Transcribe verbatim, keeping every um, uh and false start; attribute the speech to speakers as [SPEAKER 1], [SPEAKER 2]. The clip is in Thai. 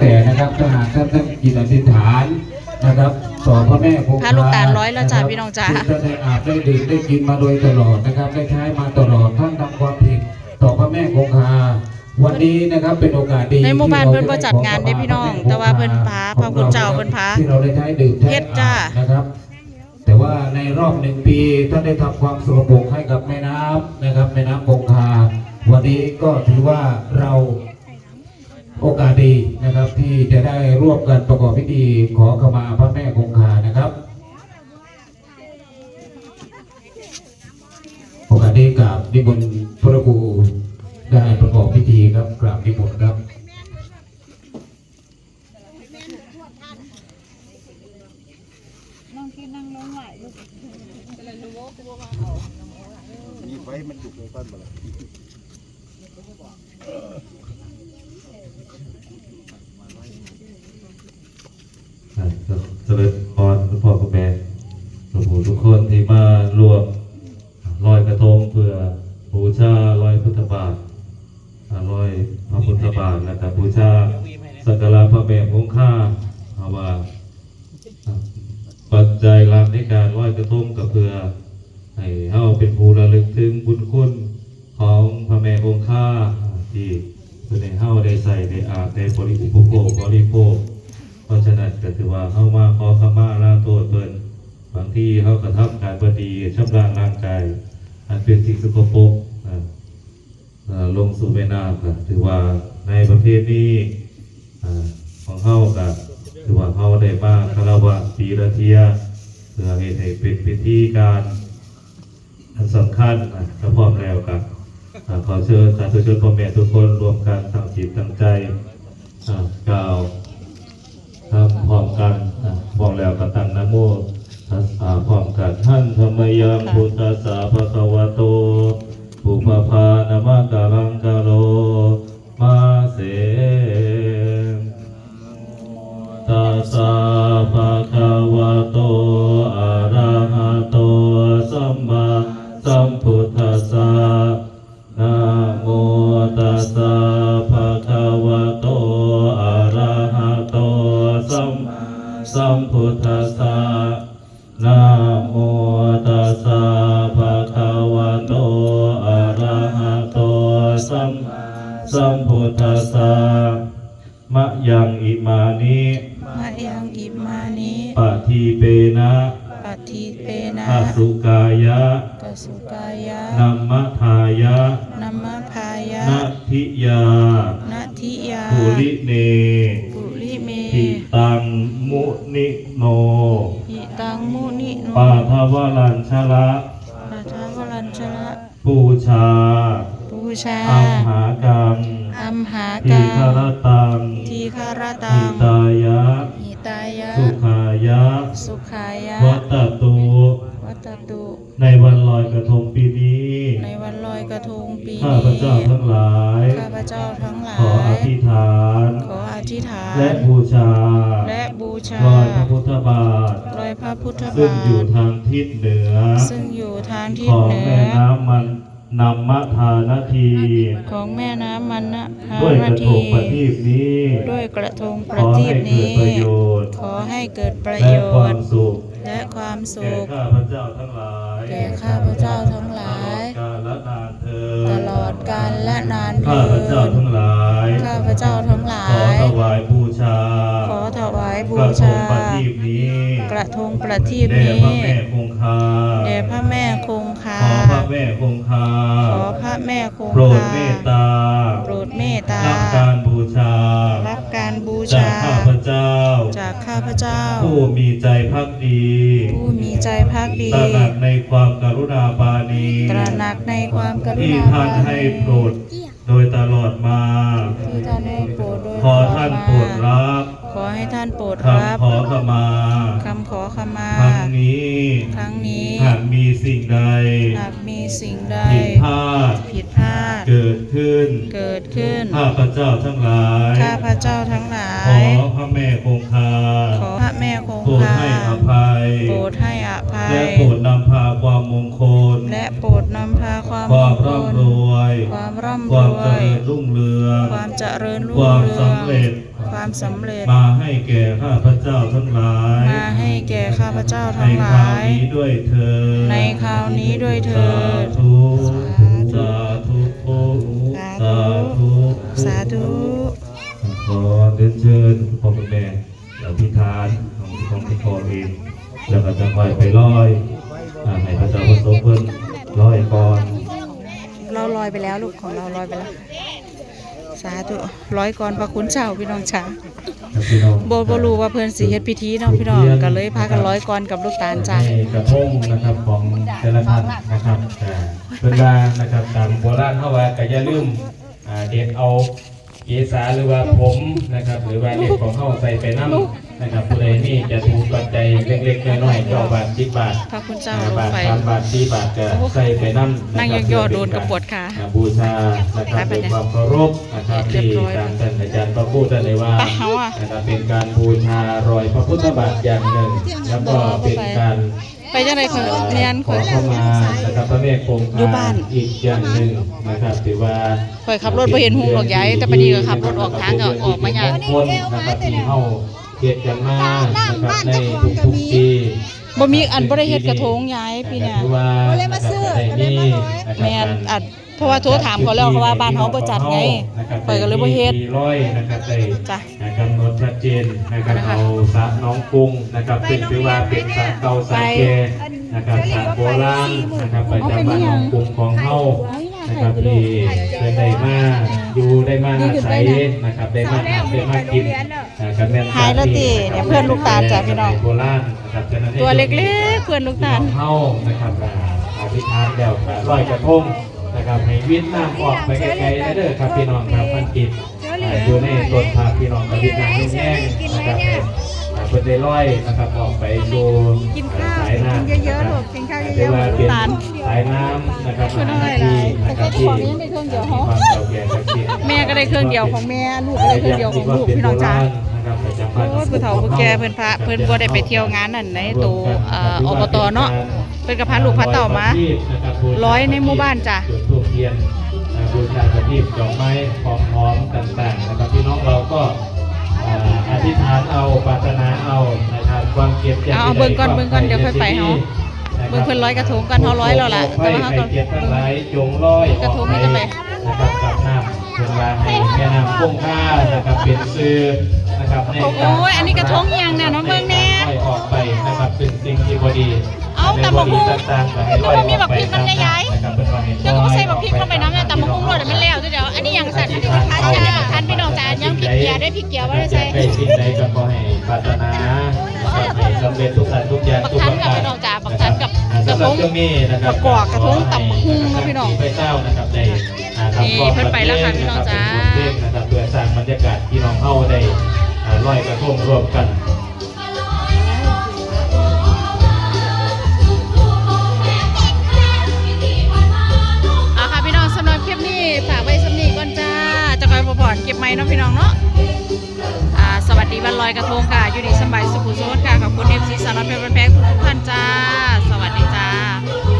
[SPEAKER 1] แต่นะครับถ้าหากท่านตั้งจิตอธิษฐานนะครับต่อพระแม่คงคา
[SPEAKER 2] พระลูกตาลร้อยแล้วจ้าพี่น้องจ้า
[SPEAKER 1] ท่านได้อาบได้ดื่มได้กินมาโดยตลอดนะครับได้ใช้มาตลอดท่านทำความผิดต่อพระแม่คงคาวันนี้นะครับเป็นโอกาสดี
[SPEAKER 2] ในหมู่บ้านเพิ่นบ่จัดงานเด้พี่น้องแต่ว่าเพิ่นพาพระคุณเจ้าเพิ่นพา
[SPEAKER 1] ที่เราได้ใช้ดื่ม
[SPEAKER 2] เฮ็ดจ้า
[SPEAKER 1] นะครับแต่ว่าในรอบหนึ่งปีท่านได้ทำความสกปรกให้กับแม่น้ำนะครับแม่น้ำคงคาวันนี้ก็ถือว่าเราโอกาสดีนะครับที่จะได้ร่วมกันประกอบพิธีขอขมาพระแม่คงคานะครับโอกาสนี้กราบนิมนต์พระครูได้ประกอบพิธีครับกราบนิมนต์ครับ
[SPEAKER 3] มีไฟมันจุกเลยต้นมาเลย
[SPEAKER 4] เจริญพรคุณพ่อคุณแม่หลวงปู่ทุกคนที่มารวมลอยกระทงเพื่อบูชาลอยพุทธบาทลอยพระพุทธบาทและบูชาสักการะพระแม่คงคาเอาว่าปัจจัยหลักในการลอยกระทงก็เพื่อให้เฮาเป็นผู้ระลึกถึงบุญคุณของพระแม่คงคาที่เพื่อให้เฮาได้ใส่ได้อาบได้บริโภคบริโภคเพราะฉะนั้นก็ถือว่าเข้ามาขอขมาลาโทษเพิ่นบางที่เขากระทำการบดีชำระร่างกายอันเป็นสิ่งสกปรกลงสู่แม่น้ำก็ถือว่าในประเภทนี้ของเขาก็ถือว่าเขาได้มาคารวะปีละเทียเพื่อให้เป็นพิธีการอันสำคัญถ้าพร้อมแล้วกันขอเชิญสาธุชนพ่อแม่ทุกคนรวมกันตั้งจิตตั้งใจกล่าวทำพร้อมกันพร้อมแล้วก็ตั้งนะโมตัสสะพร้อมกันท่านธรรมยังพุทธัสสะภะคะวะโตปุพพานะมะกะลังกะโลมาเสตัสสะภะคะวะโตอะระหะโตสัมมาสัมพุทธัสสะนะโมตัสสะภะคะวะโตอะระหะโตสัมมาสัมพุทธัสสะนะโมตัสสะภะคะวะโตอะระหะโตสัมมาสัมพุทธัสสะมะยังอิมานิ
[SPEAKER 2] มะยังอิมานิ
[SPEAKER 4] ปะทีเปนะ
[SPEAKER 2] ปะทีเปนะ
[SPEAKER 4] อสุกายะ
[SPEAKER 2] กสุกายะ
[SPEAKER 4] นัมมะทายะ
[SPEAKER 2] นัมมะพายะ
[SPEAKER 4] นัทธิยา
[SPEAKER 2] นัทธิยา
[SPEAKER 4] ภูริเน
[SPEAKER 2] ภูริเม
[SPEAKER 4] หิตังมุนิโน
[SPEAKER 2] หิตังมุนิโน
[SPEAKER 4] ปาทวรัญชละ
[SPEAKER 2] ปาทวรัญชละ
[SPEAKER 4] ปูชา
[SPEAKER 2] ปูชา
[SPEAKER 4] อัมหากัง
[SPEAKER 2] อัมหากัง
[SPEAKER 4] ทีฆรตัง
[SPEAKER 2] ทีฆรตัง
[SPEAKER 4] หิตายะ
[SPEAKER 2] หิตายะ
[SPEAKER 4] สุขายะ
[SPEAKER 2] สุขายะ
[SPEAKER 4] วัตตุ
[SPEAKER 2] วัตตุ
[SPEAKER 4] ในวันลอยกระทงปีนี้
[SPEAKER 2] ในวันลอยกระทงปีนี้
[SPEAKER 4] ข้าพเจ้าทั้งหลาย
[SPEAKER 2] ข้าพเจ้าทั้งหลาย
[SPEAKER 4] ขออธิษฐาน
[SPEAKER 2] ขออธิษฐาน
[SPEAKER 4] และบูชา
[SPEAKER 2] และบูชา
[SPEAKER 4] ลอยพระพุทธบาท
[SPEAKER 2] ลอยพระพุทธบาท
[SPEAKER 4] ซึ่งอยู่ทางทิศเหนือ
[SPEAKER 2] ซึ่งอยู่ทางทิศ
[SPEAKER 4] เห
[SPEAKER 2] นือ
[SPEAKER 4] ของแม่น้ำมันนำมะทานาที
[SPEAKER 2] ของแม่น้ำมันนะ
[SPEAKER 4] ด้วยกระทงประทีปนี้
[SPEAKER 2] ด้วยกระทงประทีปนี้ขอให้เกิดประโยชน์และความสุข
[SPEAKER 4] แก่ข้าพเจ้าทั้งหลาย
[SPEAKER 2] แก่ข้าพเจ้าทั้งหลายตลอดกาลและนานเถิด
[SPEAKER 4] ข้าพเจ้าทั้งหลาย
[SPEAKER 2] ข้าพเจ้าทั้งหลาย
[SPEAKER 4] ขอถวายบูชา
[SPEAKER 2] ขอถวายบูชากระทงประทีปนี้กระทงประทีปนี้
[SPEAKER 4] แด่พระแม่คงคา
[SPEAKER 2] แด่พระแม่คงคา
[SPEAKER 4] ขอพระแม่คงคา
[SPEAKER 2] ขอพระแม่คงคา
[SPEAKER 4] โปรดเมตตา
[SPEAKER 2] โปรดเมตตา
[SPEAKER 4] รับการบูชา
[SPEAKER 2] รับการบูชา
[SPEAKER 4] จากข้าพเจ้า
[SPEAKER 2] จากข้าพเจ้า
[SPEAKER 4] ผู้มีใจภักดี
[SPEAKER 2] ผู้มีใจภักดี
[SPEAKER 4] ตระหนักในความกรุณาปราณี
[SPEAKER 2] ตระหนักในความกรุณา
[SPEAKER 4] ที่ท่านให้โปรดโดยตลอดมา
[SPEAKER 2] ที่ท่านให้โปรดโดย
[SPEAKER 4] ขอท่านโปรดรับ
[SPEAKER 2] ขอให้ท่านโปรดรับ
[SPEAKER 4] คำขอขมา
[SPEAKER 2] คำขอขมา
[SPEAKER 4] ครั้งนี้
[SPEAKER 2] ครั้งนี้
[SPEAKER 4] หากมีสิ่งใด
[SPEAKER 2] หากมีสิ่งใด
[SPEAKER 4] ผิดพลาด
[SPEAKER 2] ผิดพลาด
[SPEAKER 4] เกิดขึ้น
[SPEAKER 2] เกิดขึ้น
[SPEAKER 4] ข้าพเจ้าทั้งหลาย
[SPEAKER 2] ข้าพเจ้าทั้งหลาย
[SPEAKER 4] ขอพระแม่คงคา
[SPEAKER 2] ขอพระแม่คงคา
[SPEAKER 4] โปรดให้อภัย
[SPEAKER 2] โปรดให้อภัย
[SPEAKER 4] และโปรดนำพาความมงคล
[SPEAKER 2] และโปรดนำพาความมงคล
[SPEAKER 4] ความร่ำรวย
[SPEAKER 2] ความร่ำรวย
[SPEAKER 4] ความเจริญรุ่งเรือง
[SPEAKER 2] ความเจริญรุ่ง
[SPEAKER 4] ความ
[SPEAKER 2] เรือง
[SPEAKER 4] สำเร็จ
[SPEAKER 2] ความสำเร็จ
[SPEAKER 4] มาให้แก่ข้าพเจ้าทั้งหลาย
[SPEAKER 2] มาให้แก่ข้าพเจ้า
[SPEAKER 4] ใน
[SPEAKER 2] ทั้งห
[SPEAKER 4] ค
[SPEAKER 2] ลาร
[SPEAKER 4] าวย นี้ด้วยเถิด
[SPEAKER 2] ในคราวนี้ด้วยเถิ
[SPEAKER 4] สา
[SPEAKER 2] ด
[SPEAKER 4] ธุสาธุสาธุ
[SPEAKER 2] สาธุ
[SPEAKER 4] ขอเรียนเชิญพ่อคุณแม่อธิษฐานของของที่ขอเองแล้วก็จะค่อยไปร้อยอ่าให้พระเจ้าประสบเพิ่นร้อยก่อน
[SPEAKER 2] เราลอยไปแล้วลูกของเราลอยไปแล้ว สาธุร้อยก่อนพระคุณเจ้าพี่น้องช้า
[SPEAKER 4] ครับพี่น้อง
[SPEAKER 2] โบโบรู้ว่าเพื่อนสีเฮ็ดพิธีเนาะพี่น้องก็เลยพากันร้อยก่อนกับลูกตาลจ้า
[SPEAKER 4] ให้กระทงนะครับของแต่ละท่านนะครับอ่าเป็นว่านะครับตามโบราณเขาว่าก็อย่าลืมอ่าเด็ดเอาเกสาหรือว่าผมนะครับหรือว่าเด็ดของเขาใส่ไปน้ำนะครับผู้ใดนี่จะถูกปัจจัยเล็กๆน้อยๆเก้าบาทสิบบาท
[SPEAKER 2] พระคุณเจ้า
[SPEAKER 4] ห้า
[SPEAKER 2] ลง
[SPEAKER 4] บาท
[SPEAKER 2] ไฟ
[SPEAKER 4] สามบาทสี่บาทจะใส่ไปน้ำ
[SPEAKER 2] นั่งย่อๆโดนกับปวดขา
[SPEAKER 4] อ่บูชานะครับด้วยความเคารพนะครับ
[SPEAKER 2] เรีย
[SPEAKER 4] ที่
[SPEAKER 2] บร้อย
[SPEAKER 4] ตามท่านอาจารย์พระพูดท่านเลยว่า
[SPEAKER 2] ไปเอาอะ
[SPEAKER 4] นะครับเป็นการบูชารอยพระพุทธบาทอย่างหนึ่ง แล้วก็เป็นการ
[SPEAKER 2] ไปจังได๋คือเรียน
[SPEAKER 4] ขอเข้ามานะครับพระเมฆคง
[SPEAKER 2] อยู่บ้าน
[SPEAKER 4] อีกอย่างหนึ่งนะครับถือว่า
[SPEAKER 2] ข่อยขับรถบ่เห็นหุงหรอกยายแต่ปานนี้ก็ขับรถออกทางก็ออกมาอย่าง
[SPEAKER 4] คนนะครับที่เข้าเกียรติกันมานะครับในทุกๆปี
[SPEAKER 2] บ่มีอันบ่ได้เฮ็ดกระทงยายปีเนี้ย
[SPEAKER 4] ถือว่านะครับได้มีนะครับ
[SPEAKER 2] แม่นอัดเพราะว่าโทรถามเขาแล้วเขาว่าบ้านเฮาบ่จัดไงข่อยก็เลยบ่เฮ็ด
[SPEAKER 4] มีร้อยนะครับได้
[SPEAKER 2] จ้ะ
[SPEAKER 4] กำหนดชัดเจนนะครับเอาสระน้องกรุงนะครับซึ่งถือว่าเป็นสระเก่าสระแก่นะครับสระโบราณนะครับประจำบ้านน้องกรุงของเฮานะครับที่เคยได้มาอยู่ได้มาอาศัยนะครับได้มาหาได้มากินอ่ากับแม่น
[SPEAKER 2] หายแล้วติเนี่ยเพื่อนลูกตาลจ้ะพี่น้อง
[SPEAKER 4] โบราณนะครับฉะนั้นให้
[SPEAKER 2] ตัวเล็กๆเพื่อนลูกตาล
[SPEAKER 4] พี่น้องเฮานะครับอ่าอธิษฐานแล้วก็ลอยกระทงนะครับให้วิทย์น้ำออกไปไกลๆนะเด้อครับพี่น้องครับมันติดอ่าอยู่ในต้นพาพี่น้องกับวิทย์น้ำแห้งๆนะครับให้อ่าเพิ่นได้ลอยนะครับออกไปสู่
[SPEAKER 2] กินข้าว
[SPEAKER 4] สายน้ำ
[SPEAKER 2] กินเยอะๆลูกกินข้าวเยอะๆ
[SPEAKER 4] เรีกว่าเป็น
[SPEAKER 2] ตาล
[SPEAKER 4] สายน้ำนะครับ
[SPEAKER 2] เพิ่นเอาไว้
[SPEAKER 4] ที่
[SPEAKER 2] หลาย
[SPEAKER 4] นะครับ
[SPEAKER 2] แต่
[SPEAKER 4] ที่
[SPEAKER 2] ของนี้ได้เครื่องเดียวเหรอ
[SPEAKER 4] มีความเก่าแก่ศักดิ์สิทธิ์
[SPEAKER 2] แม่ก็ได้เครื่องเดียวของแม่ลูกก็ได้เครื่องเดียวของลูกพี่น้องจ้า
[SPEAKER 4] นะครับประจำบ้าน
[SPEAKER 2] โอ้ยผู้เฒ่าผู้แก่เพิ่นพาเพิ่นบ่ได้ไปเที่ยวงานนั่นในตัวเอ่ออบตเนาะเพิ่นก็พาลูกพาเต้ามาร้อยในหมู่บ้านจ้ะ
[SPEAKER 4] จุดธูปเทียนอ่าบูชาประทีปดอกไม้ของหอมต่างๆนะครับพี่น้องเราก็อ่าอธิษฐานเอาปรารถนาเอานะครับความเก็บ
[SPEAKER 2] เอาเอาเบิ่งก่อนเบิ่งก่อนเดี๋ยวค่อยไปเฮาเบิ่งเพิ่นร้อยกระทงกันเฮาร้อยแล้วล่ะแต่ว่าเฮาก็
[SPEAKER 4] เก็บทั้งหลายจงร้อย
[SPEAKER 2] กระทงนี่จะไป
[SPEAKER 4] นะครับกับน้ำเป็นลาให้แม่น้ำคงค่านะครับเป็นซื้อนะครับในการ
[SPEAKER 2] โอ้ยอันนี้กระทงอีหยังเนี่ยน้องเบิ่งแน่
[SPEAKER 4] ให้ออกไปนะครับเป็นสิ่งที่บ่ดี
[SPEAKER 2] เอาแต่บักหุ่ง
[SPEAKER 4] ต่างๆก็ให้ลอย
[SPEAKER 2] แต่ว่ามีบักพริกมันได้ย้าย
[SPEAKER 4] นะครับเป็นว่าให้
[SPEAKER 2] เดี๋ยวก็บ่ใส่บักพริกลงไปน้ำนะแต่บักหุ่งรวดมันแล้วเดี๋ยวอันนี้หยังสั่นอันนี้บักทันจ้าทันพี่น้องจ้ายังพริกเกลือได้พริกเกลือบ่ได้ใส่
[SPEAKER 4] ได้สิ่งใดก็ขอให้ปรารถนานะครับให้สำเร็จทุกสิ่งทุกอย่าง
[SPEAKER 2] บัก
[SPEAKER 4] ทุก
[SPEAKER 2] ทั
[SPEAKER 4] ป
[SPEAKER 2] น
[SPEAKER 4] ระ
[SPEAKER 2] กับ
[SPEAKER 4] การ
[SPEAKER 2] พี่น้องจ้าบักทันกับ
[SPEAKER 4] อ่าก
[SPEAKER 2] ระ
[SPEAKER 4] สำห
[SPEAKER 2] ท
[SPEAKER 4] รับ
[SPEAKER 2] ง
[SPEAKER 4] ช่วงนี้นะครับ
[SPEAKER 2] ประกอบกระทงตำบักหุ่งครับพี่น้อง
[SPEAKER 4] พระเจ้านะครับได้อ่าทำ
[SPEAKER 2] นี่เพิ่นไปแล้วค่ะพี่น้องจ้า
[SPEAKER 4] เป็นบทเพลงนะครับเพื่อสร้างบรรยากาศที่น้องเฮาได้อ่าลอยกระทงร่วมกัน
[SPEAKER 2] เอาค่ะพี่น้องสำหรับคลิปนี้ฝากไว้สำนีก่อนจ้าจะคอยพอพอนเก็บไม้เนาะพี่น้องเนาะอ่าสวัสดีวันลอยกระทงค่ะอยู่ดีสำบายสุขุมสุขค่ะขอบคุณเอฟซีสารพัดเพลงแพงทุกท่านจ้าสวัสดีจ้า